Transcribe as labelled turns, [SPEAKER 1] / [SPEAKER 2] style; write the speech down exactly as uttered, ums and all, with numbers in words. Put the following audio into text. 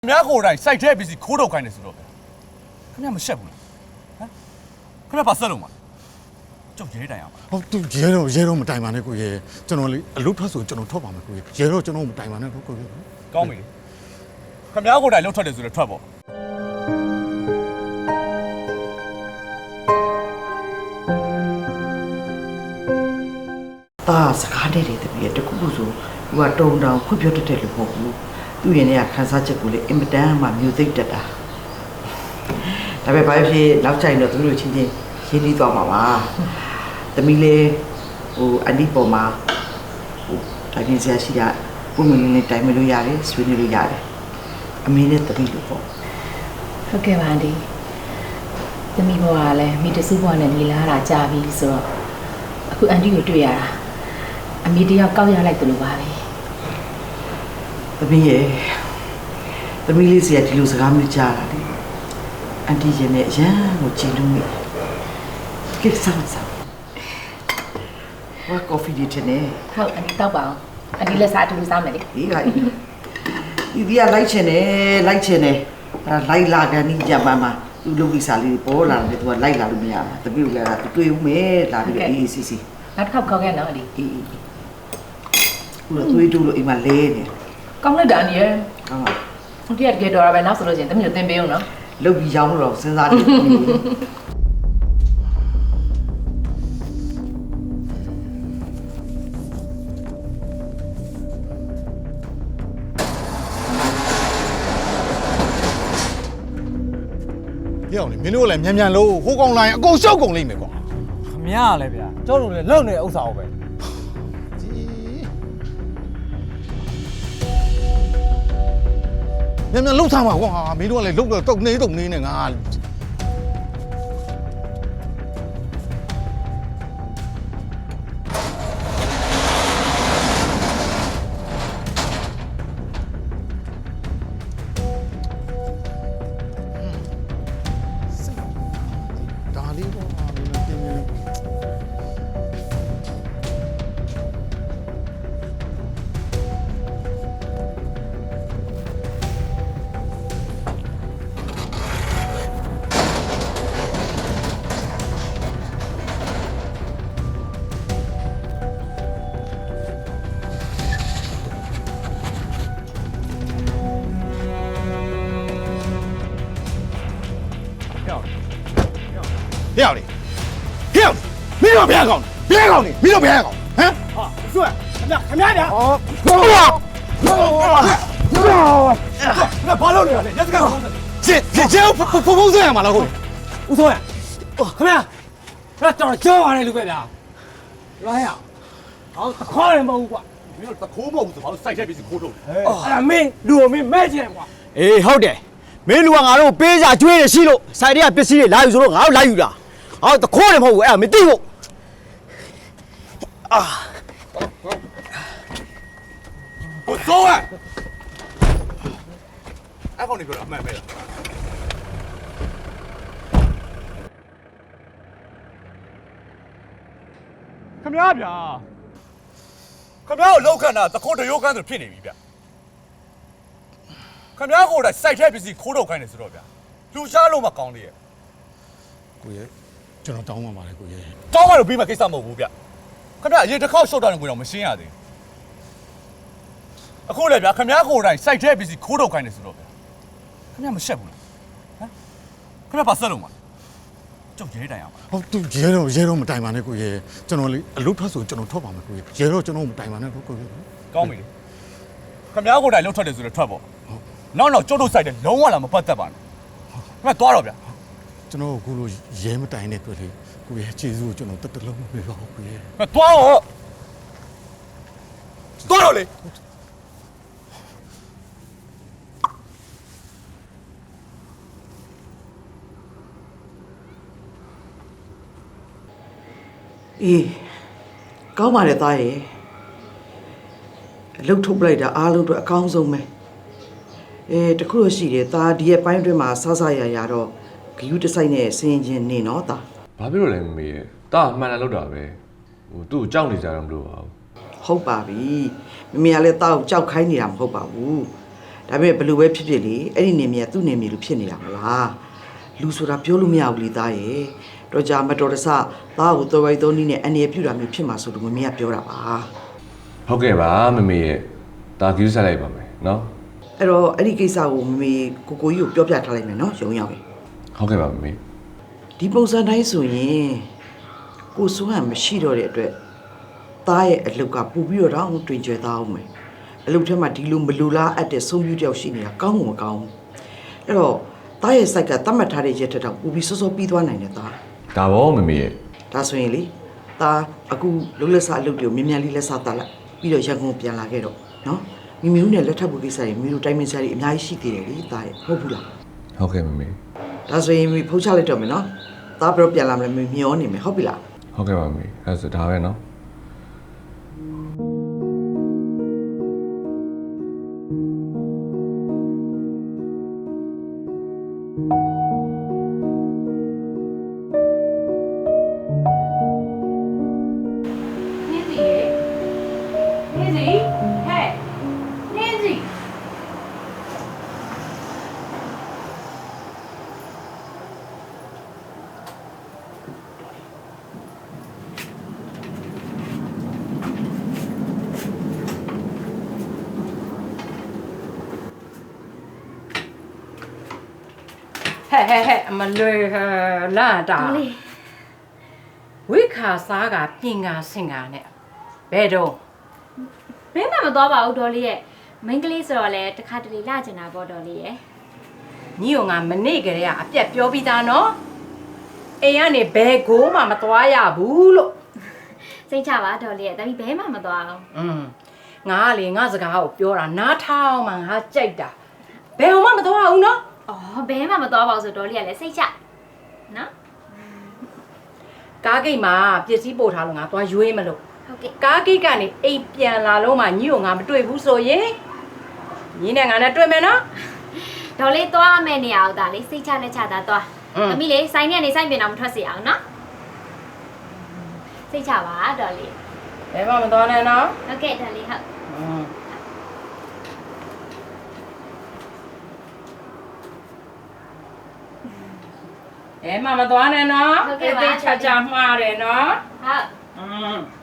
[SPEAKER 1] များကိုယ်တိုင်စိုက်တဲ့ပစ္စည်းခိုးထုတ်ခိုင်းတယ်ဆိုတော့ဗျာခင်ဗျာမရှက်ဘူးလားဟမ်ခင်ဗျာပါဆက်လုံးပါကျုပ်ရဲတိုင်အောင်ပါ
[SPEAKER 2] ဟုတ်သူရဲတော့ရဲတော့မတိုင်ပါနဲ့ကိုရဲကျွန်တော်လေအလုပ်ထွက်ဆိုကျွန်တော်ထွက်ပါမယ်ကိုရဲရဲတော့ကျွန်တော်မတိုင်ပါနဲ့ကိုကိုရဲ
[SPEAKER 1] ကောင်းပြီလေခင်ဗျာကိုယ်တိုင်လှုပ်ထွက်တယ်ဆိုတော့ထွက်ပေါ့
[SPEAKER 3] ตาสကားတဲ့တဲ့တပည့်တခုခုဆိုသူကတုံတောင်ဖွပြောတတ်တယ်လို့ပေါ့ဘူးသူ့ရင်ထဲကခန်းစားချက်ကိုလေအင်မတန်မှမျိုးသိပ်တက်တာဒါပေမဲ့ဘာဖြစ်နောက်ကျရင်တော့သူတို့ချင်းချင်းရင်းနှီးသွားမှာပါသမီးလေးဟိုအန်ဒီပေါ်မှာဟိုတိုင်းပြည်ဆရာရှိတာပုံမှန်လေးတိုင်းမလို့ရတယ်ဆွေးနွေးလို့ရတယ်အမေနဲ့သမီးလို့ပေါ့
[SPEAKER 4] ဟုတ်ကဲ့ပါအန်ဒီသမီးဘွားကလည်းမိတစုဘွားနဲ့နေလာတာကြာပြီဆိုတော့အခုအန်ဒီကိုတွေ့ရတာအမေတယောက်ကောက်ရလိုက်တယ်လို့ပါပဲ
[SPEAKER 3] သမီးရဲ့သမီးလေးစီကဒီလိုစကားမျိုးကြားတာလေအန်တီရင်နဲ့အရန်ကိုကြည်လို့မိကိစ္စမစားဘာကော်ဖီဒီတင်နေ
[SPEAKER 4] ဟုတ်အန်ဒီတောက်ပါအောင်အန်ဒီလက်စားအတူတူစားမယ်လေ
[SPEAKER 3] ဒီကဒီဒီကလိုက်ချင်တယ်လိုက်ချင်တယ်အဲလိုက်လာကန်ဒီဂျပန်မှာသူ့လုပ်ပြီးစားလေးပေါ်လာတယ်သူကလိုက်လာလို့မရဘူးတပည့်ကလည်းသူတွေ့ဦးမယ်လာပြီးအေးစီစီ
[SPEAKER 4] နောက်တစ်ခေါက်ခေါက်ခဲ့နော်အန်ဒီ
[SPEAKER 3] အေးခုတော့သွေးတူလို့အိမ်မှာလဲနေ
[SPEAKER 4] ကောင်းလိုက်တာအန်ဒီရဲ့
[SPEAKER 3] ကောင်းပါ
[SPEAKER 4] ဟုတ်ကဲ့တကယ်တော်တာပဲနောက်ဆိုလို့ချင်းသမီးတို့သင်ပေးအောင်နော်
[SPEAKER 3] လုပ်ပြီးရောင်းတော့စဉ်းစားတယ်
[SPEAKER 2] ရအောင်လေမင်းတို့လည်းမြန်မြန်လို့ဟိုကောင်လိုင်းအကုန်ရှောက်ကုန်လိမ့်မယ်ကွာ
[SPEAKER 5] ခမရလဲဗျာကျောင်းတို့လည်းလုံနေတဲ့ဥစ္စာကိုပဲ
[SPEAKER 2] မြန်မြန်လှုပ်ထားပါကွာမင်းတို့ကလည်းလှုပ်တော့တုတ်နေတုတ်နေနဲ့ငါဒါလေးပေါ့မင်းတို့တင်နေ ဟဲ့အောင်လေဟဲ့အောင်မင်းတို့ဘယ်ကောင်ဘယ်ကောင်နေမင်းတို့ဘယ်ကောင်ဟမ်
[SPEAKER 5] ဟာစွတ်ခမရခမရဗျာ
[SPEAKER 2] အော်ဘောဘော
[SPEAKER 5] ဘာလို့လဲလဲရက်စကန်
[SPEAKER 2] ကျေကျေကျေဖဖဖုန်းဆက်ရမှာလားဟုတ်
[SPEAKER 5] ဦးစိုးရခမရအဲ့တော်ကြောင်းရတယ်လူပဲဗျာလာရအောင်တခေါ်ရင်မဟုတ်ဘူးကွာ
[SPEAKER 1] မင်းတို့တခိုးမဟုတ်ဘူးဆိုဘာလို့စိုက်တဲ့ပစ္စည်းခိုးထုတ်လဲ
[SPEAKER 5] အဲ့ဒါမင်းလူကိုမင်းမဲ့ချင်ကွာ
[SPEAKER 6] အေးဟုတ်တယ်မင်းလူကငါတို့ပေးစာကျွေးရရှိလို့ဆိုင်တွေကပစ္စည်းတွေလာယူဆိုတော့ငါတို့လာယူတာဟောတခိုးတယ်မဟုတ်ဘူးအဲ့ဒါမသိဘူးအာ
[SPEAKER 1] ကိုစိုးရအဲ့ကောင်နေပြောတာအမှန်ပဲလားခင်ဗျားဗျာခင်ဗျားကိုလောက်ခန့်တာတခိုးတရိုးခန့်ဆိုဖြစ်နေပြီဗျခင်ဗျားကိုယ်တိုင်စိုက်တဲ့ပစ္စည်းခိုးထုတ်ခိုင်းတယ်ဆိုတော့ဗျာလူရှားလို့မကောင်းသေးရဲ့
[SPEAKER 2] ကိုရဲကျွန်တော်တောင်းပါပါလေကိုရဲ
[SPEAKER 1] တောင်းမှတော့ပြီးမှကိစ္စမဟုတ်ဘူးဗျခင်ဗျားအရင်တစ်ခေါက်ရှော့တာကိုတော့မရှင်းရသေးဘူးအခုလည်းဗျာခင်ဗျားကိုယ်တိုင်စိုက်တဲ့ပစ္စည်းခိုးထုတ်ခိုင်းတယ်ဆိုတော့ဗျာခင်ဗျားမရှက်ဘူးလားဟမ်ခင်ဗျားပါဆက်လုံးပါကျုပ်ရဲတိုင်အောင်ပါ
[SPEAKER 2] ဟုတ်သူရဲတော့ရဲတော့မတိုင်ပါနဲ့ကိုရဲကျွန်တော်လေအလုပ်ထွက်ဆိုကျွန်တော်ထွက်ပါမယ်ကိုရဲရဲတော့ကျွန်တော်မတိုင်ပါနဲ့ကိုရဲ
[SPEAKER 1] ကောင်းပြီလေခင်ဗျားကိုယ်တိုင်လှုပ်ထွက်တယ်ဆိုတော့ထွက်ပေါ့နောက်နောက်ကျုပ်တို့စိုက်တယ်လုံးဝလာမပတ်သက်ပါနဲ့ခင်ဗျားသွားတော့ဗျာ
[SPEAKER 2] ကျွန်တော်အခုလိုရဲမတိုင်တဲ့အတွက်လေကိုရဲကျေးဇူးကိုကျွန်တော်တက်တလုံးမပေးပါဘူးကိုရဲ
[SPEAKER 1] ခင်ဗျားသွားတော့သွားတော့လေ
[SPEAKER 3] အေးကောင်းပါတယ်သားရဲ့အလုပ်ထုတ်ပလိုက်တာအားလုံးတော့အကောင်းဆုံးပဲအဲတခုလို့ရှိတယ်သားဒီရဲ့ပိုင်းအတွင်းမှာဆဆရရတော့ဂယူးတစ်ဆိုင်နဲ့ဆင်းချင်းနေတော့သား
[SPEAKER 7] ဘာဖြစ်လို့လဲမမေရဲ့တာအမှန်တန်လောက်တာပဲဟိုသူ့ကိုကြောက်နေကြတာမလို့ပါဘူး
[SPEAKER 3] ဟုတ်ပါပြီမမေကလည်းတောက်ကြောက်ခိုင်းနေတာမဟုတ်ပါဘူးဒါပေမဲ့ဘယ်လိုပဲဖြစ်ဖြစ်လေအဲ့ဒီနေမြေကသူ့နေမြေလို့ဖြစ်နေတာမလားလူဆိုတာပြောလို့မရဘူးလေသားရဲ့တော့ကြာမတော်တဆသားကိုတော်ဝိုက်သုံးနည်းနဲ့အနေရပြူတာမျိုးဖြစ်မှာဆိုလို့မမေကပြောတာပါ
[SPEAKER 7] ဟုတ်ကဲ့ပါမမေရဲ့ဒါကြည့်ဆက်လိုက်ပါမယ်နော်
[SPEAKER 3] အဲ့တော့အဲ့ဒီကိစ္စကိုမမေကိုကိုကြီးကိုပြောပြထားလိုက်မယ်နော်ရုံရောက်ရင်
[SPEAKER 7] ဟုတ်ကဲ့ပါမမေ
[SPEAKER 3] ဒီပုံစံတိုင်းဆိုရင်ကိုစိုးဟန်မရှိတော့တဲ့အတွက်သားရဲ့အလုတ်ကပူပြီးတော့တော့တွင်ကျွဲသားအောင်မယ်အလုတ်ထဲမှာဒီလိုမလူလားအပ်တဲ့ဆုံးဖြူတယောက်ရှိနေတာကောင်းမှမကောင်းဘူးအဲ့တော့သားရဲ့စိုက်ကတတ်မှတ်ထားတဲ့ရက်ထက်တော့ပူပြီးစောစောပြီးသွားနိုင်တယ်သား
[SPEAKER 7] ဒါဘောမမေရဲ့
[SPEAKER 3] ဒါဆိုရင်လေသားအခုလုံလက်စားအလုတ်တွေကိုမြ мян လေးလက်စားတက်လိုက်ပြီးတော့ရန်ကုန်ပြန်လာခဲ့တော့နော်မိမိဦးနဲ့လက်ထပ်ဖို့ကိစ္စတွေမိတို့တိုင်းမင်းစားတွေအများကြီးရှိသေးတယ်လေသားရဲ့ဟုတ်ဘူးလား
[SPEAKER 7] ဟုတ်ကဲ့မမေ
[SPEAKER 3] ဒါဆိုရင်မိဖုတ်ချလိုက်တော့မယ်နော်သားဘယ်တော့ပြန်လာမလဲမိမျောနေမယ်ဟုတ်ပြီလား
[SPEAKER 7] ဟုတ်ကဲ့ပါမမေအဲ့ဆိုဒါပဲနော်
[SPEAKER 4] နင်းစီရေနင်းစီဟဲ့နင်းစီ
[SPEAKER 8] ဟဲ့ဟဲ့ဟဲ့အမလွေလာတာ
[SPEAKER 4] တော်လေး
[SPEAKER 8] ဝိခါစားကပြင်ငါစင်ကနဲ့ဘယ်တော့
[SPEAKER 9] ဘယ်မှမသွားပါဘူးဒေါ်လေးရဲ့မိန်းကလေးဆိုတော့လေတခါတလေလာကျင်တာပေါ့ဒေါ်လေးရဲ့
[SPEAKER 8] ညီကငါမနေ့ကလေးကအပြက်ပြောပြီးသားနော်အိမ်ကနေဘယ်ကိုမှမသွားရဘူးလို့
[SPEAKER 9] စိတ်ချပါဒေါ်လေးရဲ့ဒါပေမဲ့ဘယ်မှမသွားအောင်
[SPEAKER 8] อืมငါကလေငါစကားကိုပြောတာနားထောင်မှငါကြိုက်တာဘယ်မှမသွားဘူးနော်
[SPEAKER 9] အော်ဘယ်မှမသွားပါဘူးဆိုဒေါ်လေးကလည်းစိတ်ချနော်
[SPEAKER 8] ကားဂိတ်မှာပစ္စည်းပို့ထားလို့ငါသွားရွေးမလို့
[SPEAKER 9] ဟုတ်ကဲ့
[SPEAKER 8] ကားဂိတ်ကနေအိမ်ပြန်လာလို့မှညီကိုငါမတွေ့ဘူးဆိုရင်ညီနဲ့ငါနဲ့တွေ့မယ်နော်
[SPEAKER 9] ဒေါ်လေးသွားမယ်နေရအောင်ဒါလေးစိတ်ချလက်ချတာသွား
[SPEAKER 8] อืม
[SPEAKER 9] သမီးလေးစိုင်းနဲ့နေစိုင်းပြင်အောင်မထွက်စေအောင်နော်စိတ်ချပါဒေါ်လေး
[SPEAKER 8] ဘယ်မှမသွားနဲ့နော်
[SPEAKER 9] ဟုတ်ကဲ့ဒေါ်လေးဟုတ်
[SPEAKER 8] อืมဘယ်မှမသွားနဲ့နော်
[SPEAKER 9] ဟုတ်ကဲ့ပါ
[SPEAKER 8] တိတ်ချာချာမှားတယ်နော်
[SPEAKER 9] ဟုတ်
[SPEAKER 8] อืม